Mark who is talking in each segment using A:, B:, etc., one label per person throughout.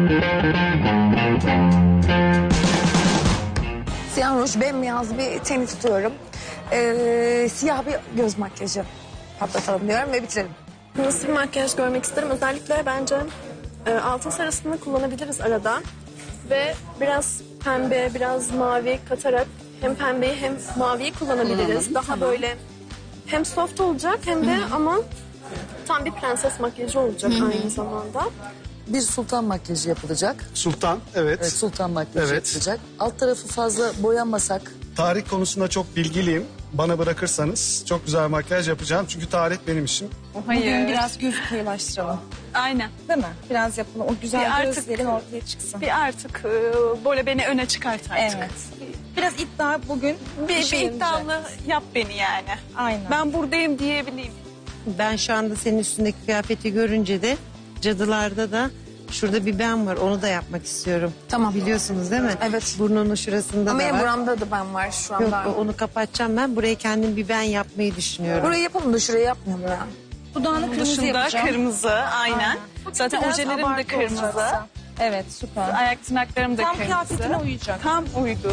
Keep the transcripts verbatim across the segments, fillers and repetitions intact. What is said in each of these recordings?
A: Siyah ruj, bembeyaz bir teni tutuyorum. Ee, siyah bir göz makyajı patlatalım diyorum ve bitirelim.
B: Nasıl bir makyaj görmek isterim? Özellikle bence e, altın sarısını kullanabiliriz arada. Ve biraz pembe, biraz mavi katarak hem pembeyi hem maviyi kullanabiliriz. Daha
A: tamam.
B: böyle hem soft olacak hem de ama tam bir prenses makyajı olacak aynı zamanda.
C: Bir sultan makyajı yapılacak.
D: Sultan, evet.
C: Evet, sultan makyajı
D: Evet.
C: yapılacak. Alt tarafı fazla boyanmasak.
D: Tarih konusunda çok bilgiliyim. Bana bırakırsanız çok güzel makyaj yapacağım. Çünkü tarih benim işim.
E: Hayır.
F: Biraz göz kıyılaştıralım.
E: Aynen.
F: Değil mi? Biraz yapalım. O güzel
E: Bir artık-
F: gözlerin ortaya çıksın.
E: Bir artık e, böyle beni öne çıkart artık.
F: Evet. Biraz iddia bugün.
E: Bir, bir
F: işe yarayacak.
E: iddialı yap beni yani.
F: Aynen.
E: Ben buradayım diyebileyim.
G: Ben şu anda senin üstündeki kıyafeti görünce de cadılarda da şurada bir ben var. Onu da yapmak istiyorum.
A: Tamam.
G: Biliyorsunuz değil mi?
A: Evet.
G: Burnunun şurasında
A: Ama
G: da
A: en
G: var.
A: buramda da ben var şu
G: Yok
A: anda.
G: onu kapatacağım ben. Buraya kendim bir ben yapmayı düşünüyorum.
A: Burayı yapalım da şurayı yapmayalım ya.
F: Dudağını kırmızı
E: Dışında
F: yapacağım.
E: kırmızı aynen. Zaten
F: Biraz
E: ojelerim de
F: abartı
E: kırmızı.
F: olacaksa. Evet, süper.
E: Ayak tırnaklarım da
F: Tam
E: kırmızı.
F: kıyafetine uyacak.
E: Tam uydu.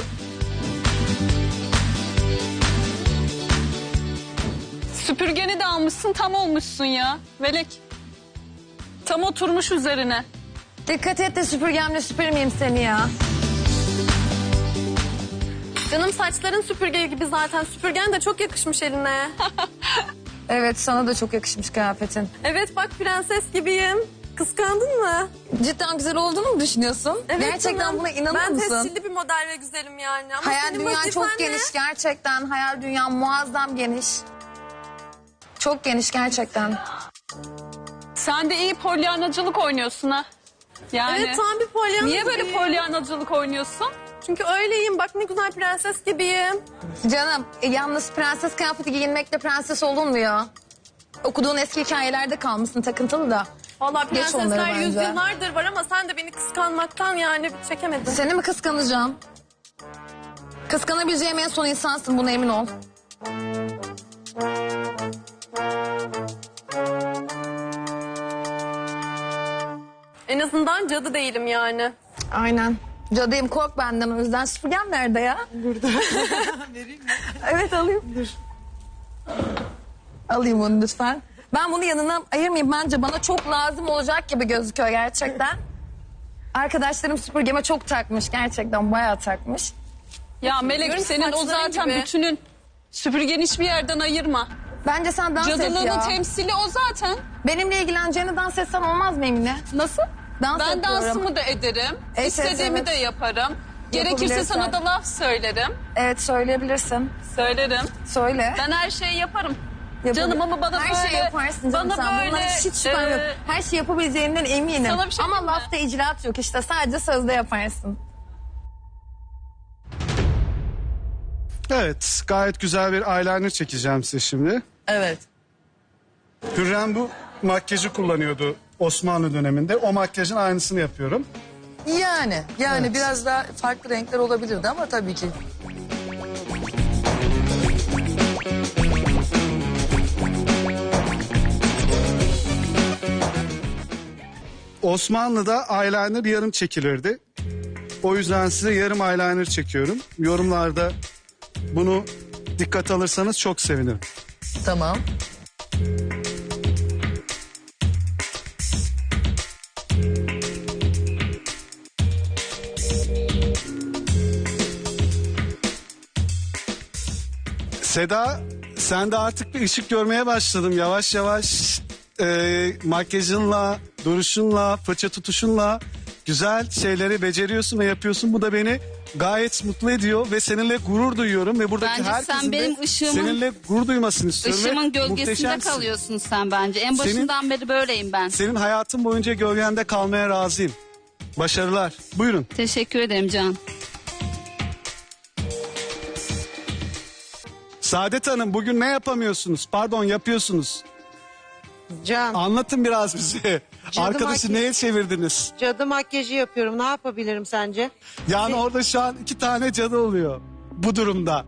E: Süpürgeni de almışsın, tam olmuşsun ya. Velek. Tam oturmuş üzerine.
A: Dikkat et de süpürgemle süpürmeyeyim seni ya.
B: Canım saçların süpürge gibi zaten. Süpürgen de çok yakışmış eline.
A: Evet, sana da çok yakışmış kıyafetin.
B: Evet bak prenses gibiyim. Kıskandın mı?
A: Cidden güzel olduğunu mu düşünüyorsun?
B: Evet
A: Gerçekten
B: canım.
A: buna inanır
B: ben
A: mısın?
B: Ben tescilli bir model ve güzelim yani. Ama
A: Hayal
B: senin
A: dünyan
B: vazifen
A: çok
B: ne?
A: geniş gerçekten. Hayal dünyan muazzam geniş. Çok geniş gerçekten.
E: Sen de iyi polyanacılık oynuyorsun ha. Yani.
B: Evet tam bir polyan.
E: Niye böyle
B: gibiyim.
E: polyanacılık oynuyorsun?
B: Çünkü öyleyim. Bak ne güzel prenses gibiyim.
A: Canım e, yalnız prenses kıyafeti giyinmekle prenses olunmuyor. Okuduğun eski hikayelerde kalmışsın takıntılı da.
B: Vallahi
A: Geç onları
B: prensesler
A: bence.
B: yüzyıllardır var ama sen de beni kıskanmaktan yani çekemedin.
A: Seni mi kıskanacağım? Kıskanabileceğim en son insansın, buna emin ol.
B: En azından cadı değilim yani.
A: Aynen. Cadıyım, kork benden o yüzden. Süpürgem nerede ya?
G: Burada. Vereyim mi?
A: Evet alayım. Dur. Alayım onu lütfen. Ben bunu yanına ayırmayayım. Bence bana çok lazım olacak gibi gözüküyor gerçekten. Arkadaşlarım süpürgeme çok takmış. Gerçekten bayağı takmış.
E: Ya Melek
B: Görün
E: senin o
B: saçların
E: zaten
B: gibi.
E: bütünün. Süpürgeni hiçbir yerden ayırma.
A: Bence sen dans et
E: Cadılığının
A: ya.
E: temsili o zaten.
A: Benimle ilgileneceğini dans etsen olmaz mı Emine?
E: Nasıl?
A: Dans
E: Ben
A: ediyorum.
E: dansımı da ederim.
A: Evet,
E: İstediğimi
A: evet.
E: de yaparım. Gerekirse
A: Yapabilirsen.
E: sana da laf söylerim.
A: Evet söyleyebilirsin.
E: Söylerim.
A: Söyle.
E: Ben her şeyi yaparım.
A: Yapabil-
E: Canım ama bana
A: Her
E: böyle...
A: şeyi yaparsın canım
E: bana
A: sen.
E: böyle,
A: Bundan hiç şüphem
E: e,
A: yok. Her şeyi yapabileceğinden eminim.
E: Sana bir şey
A: Ama
E: diyeyim mi?
A: lafta icraat yok işte. Sadece sözde yaparsın.
D: Evet, gayet güzel bir eyeliner çekeceğim size şimdi.
C: Evet.
D: Hürrem bu makyajı kullanıyordu Osmanlı döneminde. O makyajın aynısını yapıyorum.
C: Yani, yani biraz daha farklı renkler olabilirdi ama tabii ki.
D: Osmanlı'da eyeliner yarım çekilirdi. O yüzden size yarım eyeliner çekiyorum. Yorumlarda bunu dikkat alırsanız çok sevinirim.
C: Tamam.
D: Seda, sen de artık bir ışık görmeye başladım yavaş yavaş. E, makyajınla, duruşunla, fırça tutuşunla güzel şeyleri beceriyorsun ve yapıyorsun. Bu da beni gayet mutlu ediyor ve seninle gurur duyuyorum ve buradaki
H: Bence
D: herkesin
H: sen benim
D: de
H: ışığımın-
D: seninle gurur duymasını istiyorum. ve
H: Işığımın gölgesinde
D: muhteşemsin.
H: kalıyorsun sen bence. En
D: Senin-
H: başından beri böyleyim ben.
D: Senin hayatın boyunca gölgende kalmaya razıyım. Başarılar. Buyurun.
H: Teşekkür ederim Can.
D: Saadet Hanım bugün ne yapamıyorsunuz? Pardon yapıyorsunuz.
G: Can,
D: Anlatın biraz bize.
G: Cadı
D: Arkadaşı
G: makyaj-
D: neye çevirdiniz?
G: cadı makyajı yapıyorum. Ne yapabilirim sence?
D: Yani orada şu an iki tane cadı oluyor bu durumda.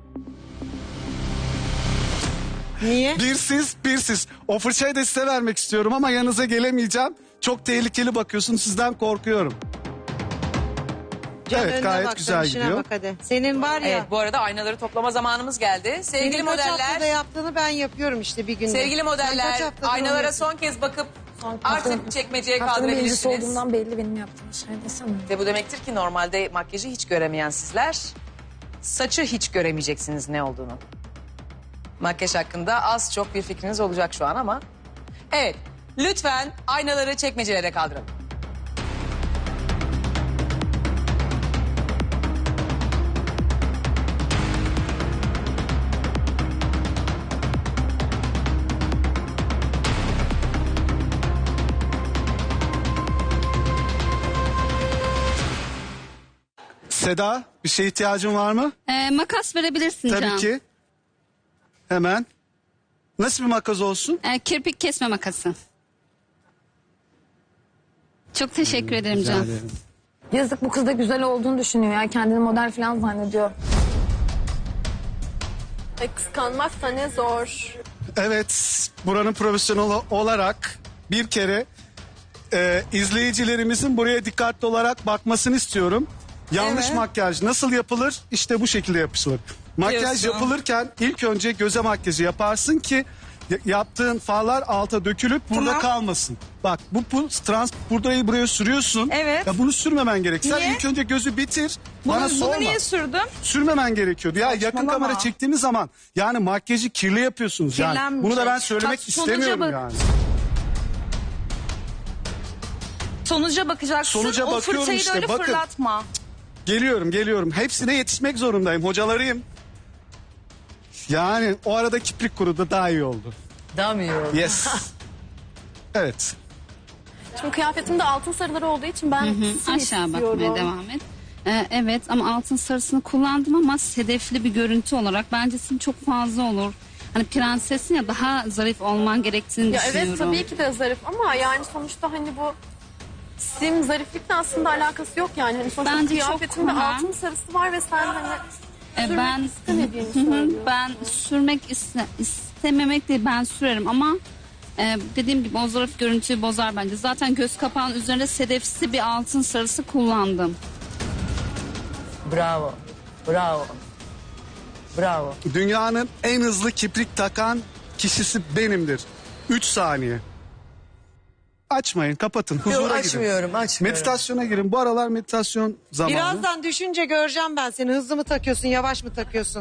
G: Niye?
D: Bir siz, bir siz. O fırçayı da size vermek istiyorum ama yanınıza gelemeyeceğim. Çok tehlikeli bakıyorsun, sizden korkuyorum.
G: Can,
D: Evet,
G: önüne
D: gayet
G: bak,
D: güzel
G: işine
D: gidiyor.
G: bak hadi. Senin var ya.
I: Evet, bu arada aynaları toplama zamanımız geldi. Sevgili
G: Senin kaç haftada
I: modeller,
G: yaptığını ben yapıyorum işte bir günde.
I: sevgili
G: Sen kaç
I: modeller
G: haftadır onu
I: aynalara
G: yapıyorsun?
I: son kez bakıp
A: Son-
I: artık çekmeceye
A: Haftanın birincisi
I: kaldırabilirsiniz.
A: olduğumdan belli benim yaptığım şey desene.
I: Ve bu demektir ki normalde makyajı hiç göremeyen sizler saçı hiç göremeyeceksiniz ne olduğunu. Makyaj hakkında az çok bir fikriniz olacak şu an ama. Evet, lütfen aynaları çekmecelere kaldırın.
D: Seda, bir şeye ihtiyacın var mı?
H: Ee, makas verebilirsin
D: Tabii
H: Can.
D: ki. Hemen. Nasıl bir makas olsun?
H: Ee, kirpik kesme makası. Çok teşekkür ederim
D: Rica
H: Can.
D: ederim.
A: Yazık, bu kız da güzel olduğunu düşünüyor ya. Kendini model falan zannediyor.
B: E, kıskanmak da ne zor.
D: Evet, buranın profesyoneli olarak bir kere e, izleyicilerimizin buraya dikkatli olarak bakmasını istiyorum. Yanlış
F: Evet.
D: makyaj nasıl yapılır? İşte bu şekilde yapılır. Makyaj
F: Diyorsun.
D: yapılırken ilk önce göze makyajı yaparsın ki y- yaptığın farlar alta dökülüp burada
F: Tamam.
D: kalmasın. Bak bu, bu trans burayı buraya sürüyorsun.
F: Evet.
D: Ya bunu sürmemen gerek. Sen
F: Niye?
D: ilk önce gözü bitir.
F: Bunu,
D: bana
F: bunu
D: sorma.
F: niye sürdüm?
D: Sürmemen gerekiyordu. Ya yakın
F: Saçmalama.
D: kamera çektiğimiz zaman yani makyajı kirli yapıyorsunuz yani.
F: Kirlenmeyecek.
D: Bunu da ben söylemek
F: Bak, sonuca
D: istemiyorum
F: bak.
D: yani.
F: Sonuca bakacaksın.
D: Sonuca
F: o
D: bakıyorum
F: fırçayı
D: işte,
F: da öyle
D: bakın.
F: fırlatma.
D: Geliyorum geliyorum. Hepsine yetişmek zorundayım. Hocalarıyım. Yani o arada kiprik kurudu daha iyi oldu.
C: Daha mı iyi oldu?
D: Yes. Evet.
B: Şimdi kıyafetimde altın sarıları olduğu için ben sim
H: Aşağı bakmaya
B: istiyorum.
H: devam et. Ee, evet ama altın sarısını kullandım ama sedefli bir görüntü olarak bence senin çok fazla olur. Hani prensesin ya, daha zarif olman gerektiğini
B: Ya
H: düşünüyorum.
B: evet tabii ki de zarif ama yani sonuçta hani bu sim zariflikle aslında alakası yok yani. Hani sonuçta
H: Bence çok
B: kıyafetimde
H: kolay.
B: altın sarısı var ve sen hani
H: Ee,
B: sürmek
H: ben
B: istemediğini
H: Hı hı,
B: söylüyorsun.
H: ben sürmek iste, istememek değil, ben sürerim ama e, dediğim gibi o zarif görüntüyü bozar bence. Zaten göz kapağının üzerinde sedefsi bir altın sarısı kullandım.
C: Bravo. Bravo. Bravo.
D: Dünyanın en hızlı kiprik takan kişisi benimdir. Üç saniye. Açmayın, kapatın. Huzura
C: Yok,
D: gidin.
C: açmıyorum, açmıyorum.
D: Meditasyona girin. Bu aralar meditasyon zamanı.
G: Birazdan düşünce göreceğim ben seni. Hızlı mı takıyorsun, yavaş mı takıyorsun?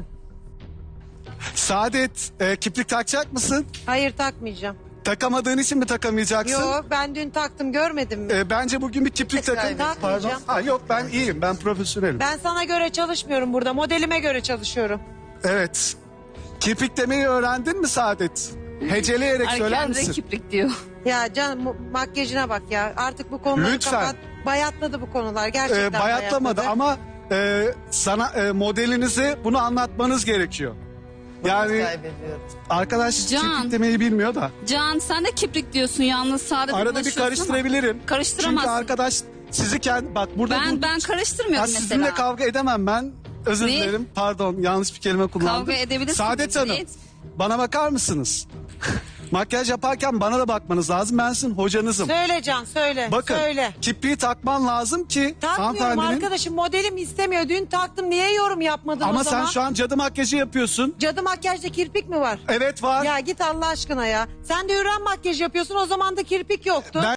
D: Saadet, e, kiprik takacak mısın?
G: Hayır takmayacağım.
D: Takamadığın için mi takamayacaksın?
G: Yok ben dün taktım görmedin mi?
D: E, bence bugün bir kiprik takın.
G: kaybedeceğim.
D: Pardon. Ha, yok ben iyiyim. Ben profesyonelim.
G: Ben sana göre çalışmıyorum burada. Modelime göre çalışıyorum.
D: Evet. Kiprik demeyi öğrendin mi Saadet? Heceleyerek
H: Ay,
D: söyler
H: kendine
D: misin?
H: kiprik diyor.
G: Ya can mu- makyajına bak ya. Artık bu konuları
D: Lütfen.
G: kapat. Bayatladı bu konular. Gerçekten
D: E, bayatlamadı
G: bayatladı.
D: ama e, sana e, modelinizi bunu anlatmanız gerekiyor. Yani
C: Kaybediyorum.
D: arkadaş
H: Can.
D: kiprik demeyi bilmiyor da.
H: Can sen de kiprik diyorsun yalnız, sadece
D: Arada bir
H: bulaşıyorsun ama
D: karıştırabilirim.
H: Karıştıramazsın.
D: Çünkü arkadaş sizi kendi bak burada
H: Ben
D: bu-
H: ben
D: Ya
H: karıştırmıyorum
D: sizinle
H: mesela.
D: kavga edemem ben. Özür
H: Ne?
D: dilerim. Pardon yanlış bir kelime kullandım.
H: Kavga edebilirsin,
D: Saadet Hanım
H: evet.
D: bana bakar mısınız? Makyaj yaparken bana da bakmanız lazım. Ben sizin hocanızım.
G: Söyle Can söyle.
D: Bakın
G: Söyle.
D: kipriği takman lazım ki
G: Takmıyorum
D: hanımefendinin...
G: arkadaşım, modelim istemiyor. Dün taktım, niye yorum yapmadın
D: Ama
G: o zaman?
D: sen şu an cadı makyajı yapıyorsun.
G: Cadı makyajda kirpik mi var?
D: Evet var.
G: Ya git Allah aşkına ya. Sen de Hürrem makyaj yapıyorsun, o zaman da kirpik yoktu.
D: Ben